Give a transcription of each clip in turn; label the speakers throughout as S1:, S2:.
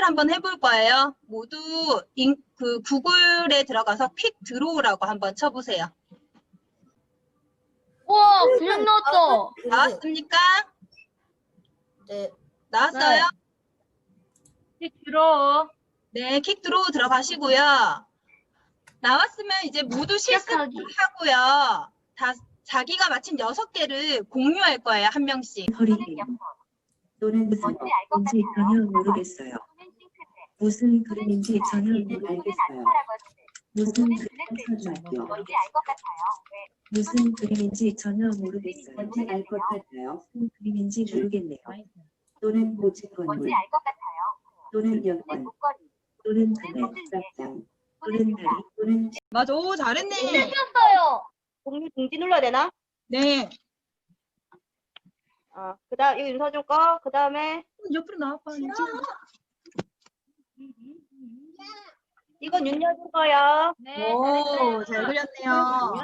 S1: 퀵을 한번 해볼 거예요. 모두 구글에 들어가서 퀵 드로우라고 한번 쳐보세요.
S2: 와, 그냥 나왔다.
S1: 나왔습니까?
S3: 네.
S1: 나왔어요?
S2: 들어.
S1: 네, 퀵 드로우 들어가시고요. 나왔으면 이제 모두 실습하고요. 다 자기가 맞힌 6개를 공유할 거예요, 한 명씩.
S4: 허리케인 또는 무슨 그림인지 전혀 모르겠어요. 무슨 그림인지 전혀 모르겠어요. 무슨 그림인지 무슨 그림인지 전혀 모르겠어요. 뭔지 알 것 같아요. 무슨 그림인지 모르겠네요. 또는 고층 건물 또는 여관 또는 그네 싹장 또는 다리 또는
S1: 맞아, 오, 잘했네.
S2: 틀렸어요.
S3: 공유 중지 눌러야 되나?
S1: 네.
S3: 그다음 이거 윤서준 거. 그다음에
S1: 옆으로 나와봐.
S3: 이건 윤여준 거요.
S2: 네.
S1: 오, 잘 그렸네요.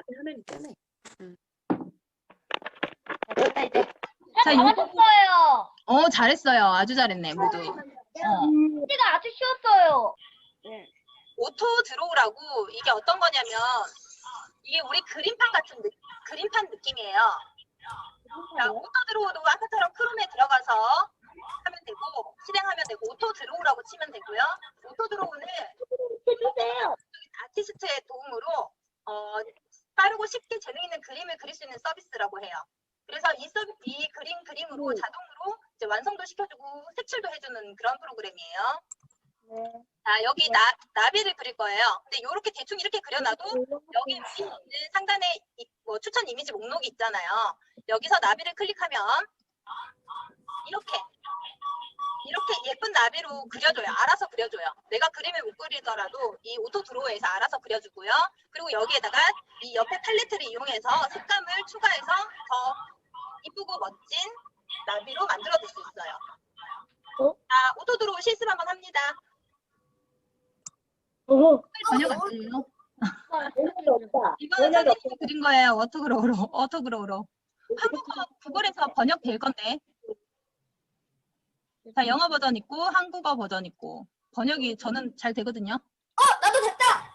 S3: 됐다 이제.
S1: 자, 요거,
S2: 맞았어요.
S1: 잘했어요. 아주 잘했네, 모두.
S2: 문제가 아주 쉬웠어요.
S1: 오토 드로우라고 이게 어떤 거냐면 이게 우리 그림판 같은 그림판 느낌이에요. 자, 오토 드로우도 아까처럼 크롬에 들어가서 하면 되고 실행하면 되고 오토 드로우라고 치면 되고요. 오토 드로우는 아티스트의 도움으로 빠르고 쉽게 재능 있는 그림을 그릴 수 있는 서비스라고 해요. 그래서 이 그림으로 자동으로 이제 완성도 시켜주고 색칠도 해주는 그런 프로그램이에요. 자, 여기 나비를 그릴 거예요. 근데 이렇게 대충 이렇게 그려놔도 여기 위에 있는 상단에 추천 이미지 목록이 있잖아요. 여기서 나비를 클릭하면 이렇게 예쁜 나비로 그려줘요. 알아서 그려줘요. 내가 그림을 못 그리더라도 이 오토 드로우에서 알아서 그려주고요. 그리고 여기에다가 이 옆에 팔레트를 이용해서 색감을 추가해서 더 이쁘고 멋진 나비로 만들어줄 수 있어요. 자, 오토 드로우 실습 한번 합니다. 번역 안 돼요? 이거는 선생님이 그린 거예요. 워터그로우로. 국어에서 번역될 건데. 자, 영어 버전 있고 한국어 버전 있고 번역이 저는 잘 되거든요.
S3: 나도 됐다.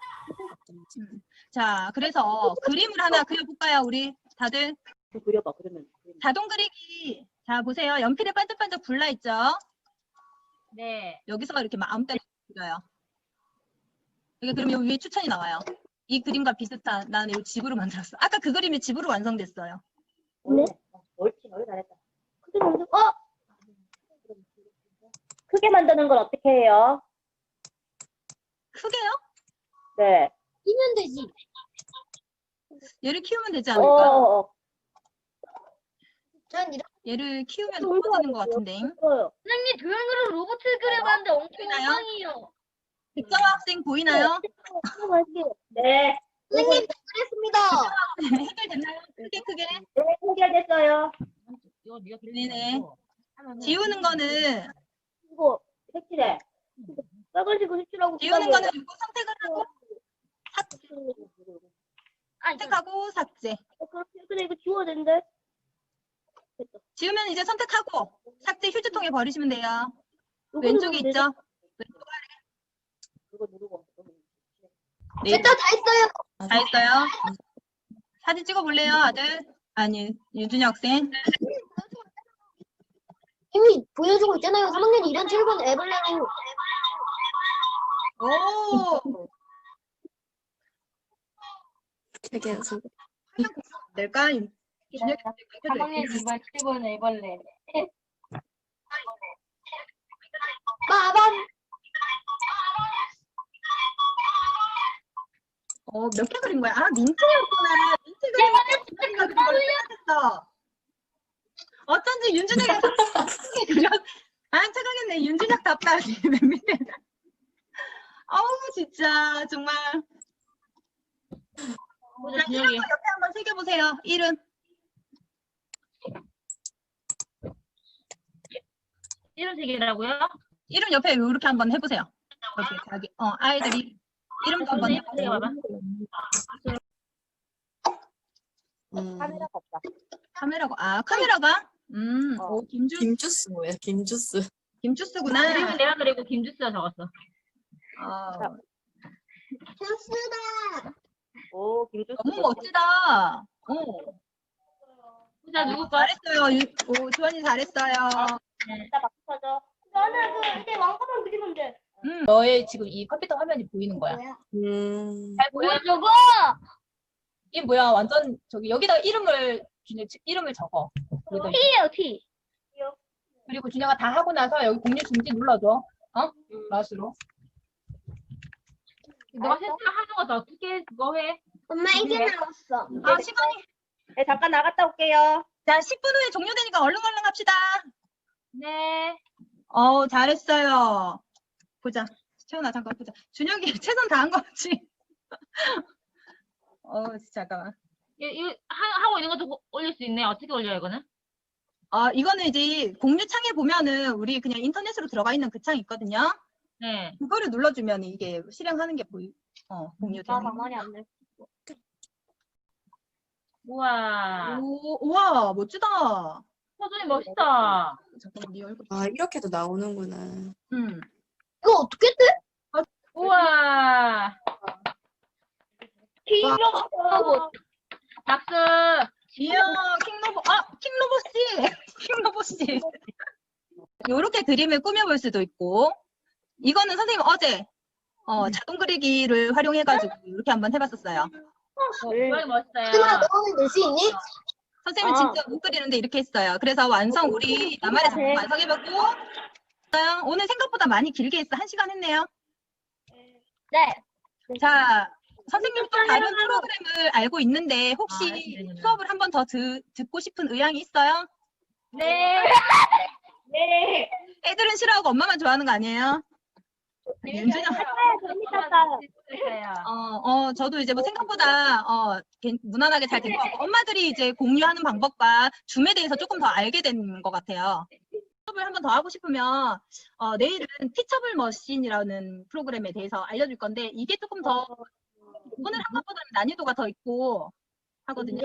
S1: 자, 그래서 그림을 하나 그려볼까요, 우리 다들?
S3: 그려봐 그러면.
S1: 자동 그리기. 자, 보세요. 연필에 반짝반짝 불나 있죠?
S2: 네.
S1: 여기서 이렇게 아무 때나 그려요. 이게 그럼 여기 위에 추천이 나와요. 이 그림과 비슷한 나는 이 집으로 만들었어. 아까 그 그림이 집으로 완성됐어요.
S3: 네. 옳지, 잘했다. 크게 만들. 크게 만드는 걸 어떻게 해요?
S1: 크게요?
S3: 네.
S2: 끼면 되지.
S1: 얘를 키우면 되지 않을까?
S2: 전 이렇게
S1: 얘를 키우면 커지는 것 같은데.
S2: 선생님 도형으로 로봇을 그려봤는데 엄청
S1: 보이나요?
S2: 엉망이에요.
S1: 백정아 학생 보이나요?
S3: 네.
S2: 선생님 잘했습니다.
S1: 해결됐나요? 크게?
S3: 네, 해결됐어요.
S1: 네네. 지우는 거는
S3: 이거 색칠해. 빨간색으로 색칠하고.
S1: 지우는 거는 이거 선택을 하고 선택하고 삭제.
S3: 그래 이거 지워야 되는데.
S1: 지우면 이제 선택하고 삭제 휴지통에 버리시면 돼요. 왼쪽에 있죠? 왼쪽 아래.
S3: 이거 누르고.
S1: 네.
S2: 됐다 다 했어요.
S1: 다 했어요? 사진 찍어 볼래요, 아들? 아니, 유준이 학생.
S2: 이미 보여주고 있잖아요. 3학년 2년 7번 애벌레로.
S1: 오! 될까? 유준이 학생
S2: 3학년 2번 7번 애벌레. 빠밤.
S1: 몇 개 그린 거야? 아, 민트였구나. 민트 그린 거 그린 걸로 생각했어. 어쩐지 윤준이가 그려. 아, 착하겠네. 윤준이가 답답하지. 맨 밑에. 어우, 진짜, 정말. 자, 이름 거 옆에 한번 새겨보세요. 이름.
S2: 이런 색이라고요?
S1: 이름 옆에 이렇게 한번 해보세요. 이렇게 자기, 아이들이 이름도 한번 해보세요.
S3: 카메라가 없다.
S1: 카메라가, 카메라가? 김주스.
S5: 김주스 뭐야? 김주스.
S1: 김주스구나.
S5: 그림은 내가 그리고 김주스가 적었어.
S1: 어,
S2: 주스다.
S3: 오, 김주스.
S1: 너무 멋지다.
S5: 후자 누구 거?
S1: 잘했어요. 오, 주원이 잘했어요.
S3: 진짜 막 터져. 나는 그 이제 왕관만 그리면 돼.
S5: 너의 지금 이 컴퓨터 화면이 보이는 거야. 잘 보여?
S2: 저거?
S5: 이게 뭐야? 완전 저기 여기다가 이름을 적어. 여기다.
S2: T예요, T.
S5: 그리고 준혁아 다 하고 나서 여기 공유 중지 눌러줘. 마우스로. 너가 세수를 하는 것도 어떻게 그거 해?
S2: 엄마 이게
S5: 네.
S2: 나왔어.
S1: 아, 시간이.
S3: 네, 잠깐 나갔다 올게요.
S1: 자, 10분 후에 종료되니까 얼른 합시다.
S5: 네.
S1: 잘했어요. 보자. 채원아, 잠깐 보자. 준혁이 최선 다한 거 같지? 잠깐만.
S5: 이거 하고 있는 것도 올릴 수 있네. 어떻게 올려 이거는?
S1: 이거는 이제 공유 창에 보면은 우리 그냥 인터넷으로 들어가 있는 그 창 있거든요.
S5: 네.
S1: 그거를 눌러주면 이게 실행하는 게 공유되는.
S3: 가만히 안 돼.
S5: 우와.
S1: 우와, 멋지다.
S5: 서준이 멋있다.
S1: 잠깐만, 네 얼굴.
S6: 아, 이렇게도 나오는구나.
S2: 이거 어떻게 돼?
S5: 우와.
S2: 로봇.
S5: 박수.
S1: 이야, 킹로보 씨. 킹로보 씨. 요렇게 그림을 꾸며볼 수도 있고, 이거는 선생님 어제 자동 그리기를 활용해가지고 이렇게 한번 해봤었어요.
S5: 정말 멋있어요.
S2: 하나 너는 낼 수 있니?
S1: 선생님은 진짜 못 그리는데 이렇게 했어요. 그래서 우리 나만의 작품 완성해보고, 오늘 생각보다 많이 길게 했어. 1시간 했네요.
S2: 네.
S1: 자, 선생님 또 다른 프로그램을 알고 있는데 혹시
S5: 네네네.
S1: 수업을 한 번 더 듣고 싶은 의향이 있어요?
S5: 네.
S3: 네.
S1: 애들은 싫어하고 엄마만 좋아하는 거 아니에요? 윤준이
S5: 재밌었어요.
S1: 저도 이제 뭐 생각보다 무난하게 잘 된 것 같고 엄마들이 이제 공유하는 방법과 줌에 대해서 조금 더 알게 된 것 같아요. 수업을 한 번 더 하고 싶으면 내일은 티처블 머신이라는 프로그램에 대해서 알려줄 건데 이게 조금 더 오늘 한 것보다는 난이도가 더 있고 하거든요.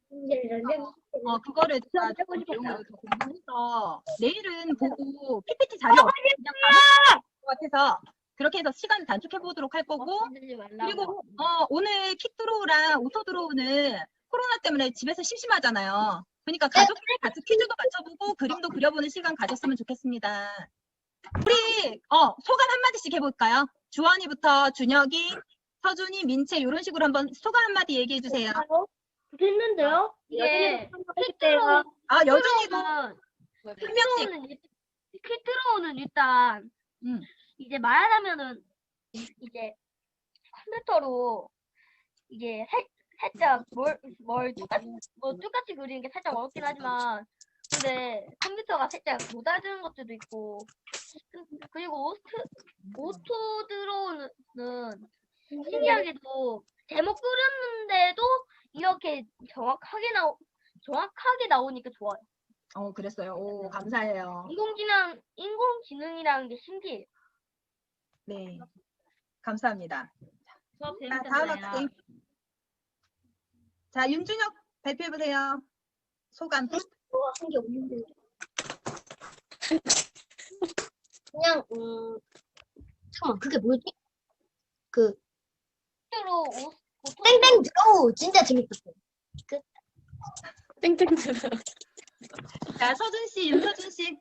S1: 그거를 제가 조금 내용을 더 공부해서 내일은 보고 PPT 자료 그냥 받을 것 같아서 그렇게 해서 시간 단축해 보도록 할 거고 그리고 오늘 킥드로우랑 오토드로우는 코로나 때문에 집에서 심심하잖아요. 그러니까 가족끼리 같이 퀴즈도 맞춰보고 그림도 그려보는 시간 가졌으면 좋겠습니다. 우리 소감 한마디씩 해볼까요? 주원이부터 준혁이, 서준이, 민채 이런 식으로 한번 소감 한마디 얘기해 주세요.
S3: 됐는데요?
S2: 이게
S1: 여준이도 한 명씩.
S7: 퀴트로우는 일단 이제 말하자면은 이제 컴퓨터로 이게 살짝 뭘 똑같이 그리는 게 살짝 어렵긴 하지만 근데 컴퓨터가 살짝 못 알아듣는 것들도 있고 그리고 오토 들어오는 신기하게도 제목 그렸는데도 이렇게 정확하게 나오니까 좋아요.
S1: 그랬어요. 오, 감사해요.
S7: 인공지능이라는 게 신기해요.
S1: 네, 감사합니다.
S5: 수업
S1: 자, 다음
S5: 재밌었나요?
S1: 학생. 자, 윤준혁 발표해보세요. 소감.
S2: 한게 없는데. 그냥 잠깐만 그게 뭐지? 그
S7: 실제로
S2: 땡땡 드로우 진짜 재밌었어요.
S6: 땡땡 들어.
S1: 자, 서준 씨, 윤서준 씨.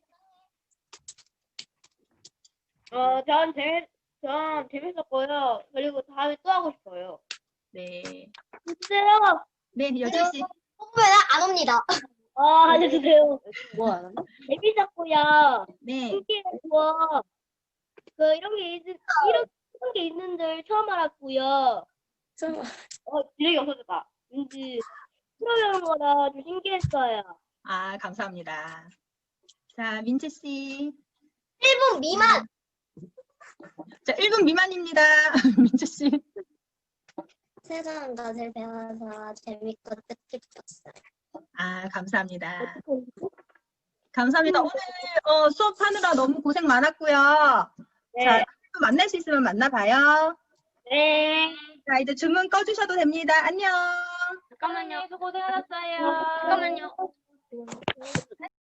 S3: 전 재밌었고요. 그리고 다음에 또 하고 싶어요.
S1: 네.
S3: 주세요.
S1: 네, 여준 씨.
S2: 뽑으면 안 옵니다.
S3: 해주세요.
S6: 뭐 안 한다?
S3: 재밌었고요.
S1: 네.
S3: 신기했고, 이런 게 있는 줄 처음 알았고요. 기력이 없어졌다. 왠지 프로그램 거라 좀 신기했어요.
S1: 아, 감사합니다. 자, 민채 씨.
S2: 1분 미만.
S1: 자, 1분 미만입니다. 민채 씨.
S2: 새로운 것을 배워서 재밌고 뜻깊었어요.
S1: 아, 감사합니다. 감사합니다. 오늘 수업하느라 너무 고생 많았고요.
S3: 네.
S1: 자, 또 만날 수 있으면 만나봐요.
S3: 네.
S1: 자, 이제 주문 꺼주셔도 됩니다. 안녕.
S5: 잠깐만요. 수고하셨어요.
S7: 잠깐만요.